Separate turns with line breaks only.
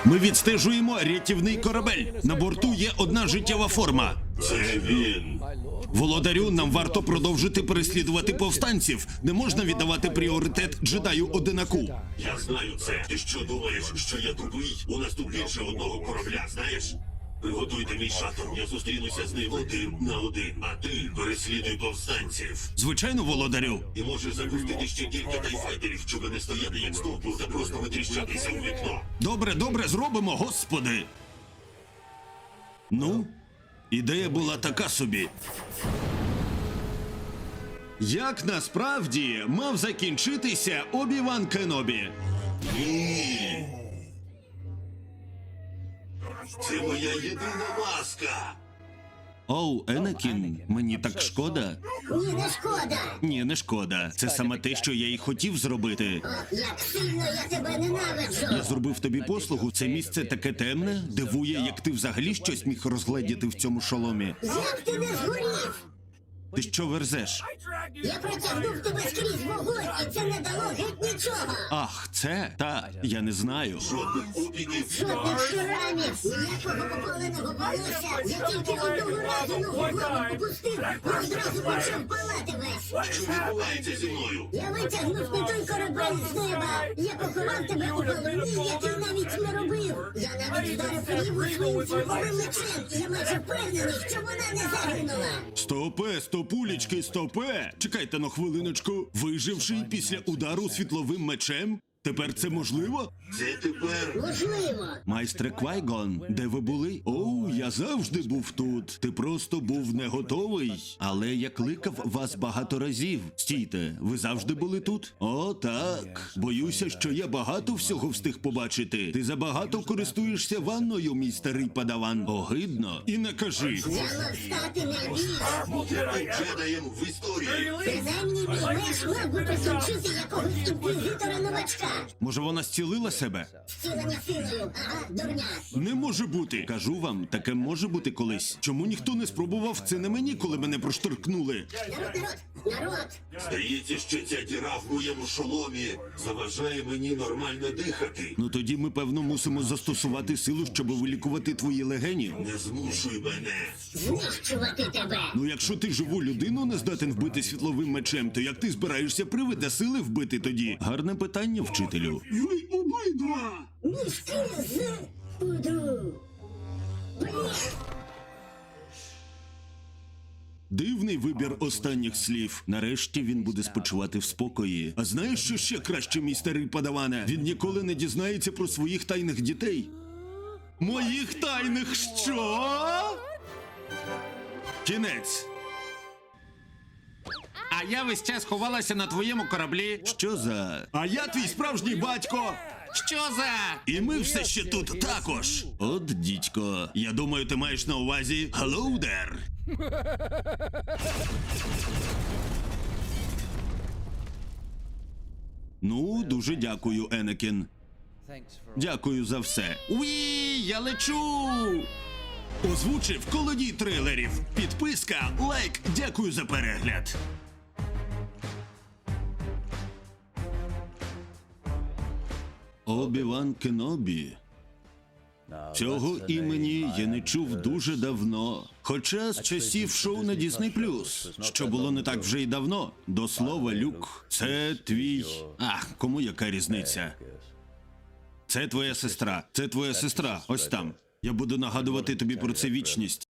Ми відстежуємо рятівний корабель. На борту є одна життєва форма.
Це він.
Володарю, нам варто продовжити переслідувати повстанців. Не можна віддавати пріоритет джедаю Одинаку.
Я знаю це. Ти що думаєш, що я тупий? У нас тут більше одного корабля, знаєш? Приготуйте мій шаттл, я зустрінуся з ним 1 на 1, а ти переслідуй повстанців.
Звичайно, володарю.
І можеш запустити ще кілька тайфайтерів, щоб не стояти як стовпу та просто витріщатися у вікно.
Добре, добре, зробимо, господи. Ну, ідея була така собі. Як насправді мав закінчитися Обі-Ван Кенобі?
Ні. Це моя єдина маска.
Оу, Енакін, мені так шкода.
Ні, не шкода.
Ні, не шкода. Це саме те, що я й хотів зробити.
Ох, як сильно я тебе ненавиджу.
Я зробив тобі послугу. Це місце таке темне. Дивує, як ти взагалі щось міг розгледіти в цьому шоломі.
Як ти не згорів?
Ти що верзеш?
Я протягнув тебе скрізь вогонь, і це не дало геть нічого.
Ах, це? Та, я не знаю.
Жодних опіків.
Жодних шрамів, ніякого попаленого волосся. Я тільки одного разу ногу в лаву попустив, і одразу почав палати весь.
Що відбувається зі мною?
Я витягнув не той корабель з неба. Я поховав тебе у голові, як я навіть не робив. Я навіть вдарив ріву своїм червоним мечем, і я майже впевнений, що вона не загинула.
Стопе, стопулечки, стопе! Чекайте на хвилиночку. Виживший після удару світловим мечем? Тепер це можливо?
Це тепер...
Можливо.
Майстре Квайгон, де ви були? Оу, я завжди був тут. Ти просто був не готовий. Але я кликав вас багато разів. Стійте, ви завжди були тут? О, так. Боюся, що я багато всього встиг побачити. Ти забагато користуєшся ванною, мій старий падаван. Огидно. І не кажи.
Діалог стати не ліс.
Я був джедаєм в історії.
Принаймні мій меч мав би прикінчити якогось інквізитора-новачка.
Може, вона зцілила себе?
Зцілення силою, ага, дурня.
Не може бути. Кажу вам, таке може бути колись. Чому ніхто не спробував це на мені, коли мене проштовхнули?
Народ.
Здається, що ця діра в моєму шоломі заважає мені нормально дихати.
Ну тоді ми, певно, мусимо застосувати силу, щоб вилікувати твої легені.
Не змушуй мене.
Знищувати тебе.
Ну якщо ти живу людину не здатен вбити світловим мечем, то як ти збираєшся привида сили вбити тоді? Гарне питання, вчителю.
Ви обидва!
Мішки з пудру.
Дивний вибір останніх слів. Нарешті він буде спочивати в спокої. А знаєш, що ще краще, мій старий падаване? Він ніколи не дізнається про своїх тайних дітей. Моїх тайних що? Кінець. А я весь час ховалася на твоєму кораблі. Що за? А я твій справжній батько. Що за? І ми все ще тут також. От, дідько, я думаю, ти маєш на увазі «Hello there». Ну, дуже дякую, Енакін. Дякую за все. Уі, я лечу! Озвучив колодій трилерів. Підписка, лайк, дякую за перегляд. Обі-Ван Кенобі. Цього імені я не чув дуже давно. Хоча з часів шоу на Disney+, що було не так вже й давно. До слова, Люк, це твій... Ах, кому яка різниця? Це твоя сестра. Це твоя сестра. Ось там. Я буду нагадувати тобі про це вічність.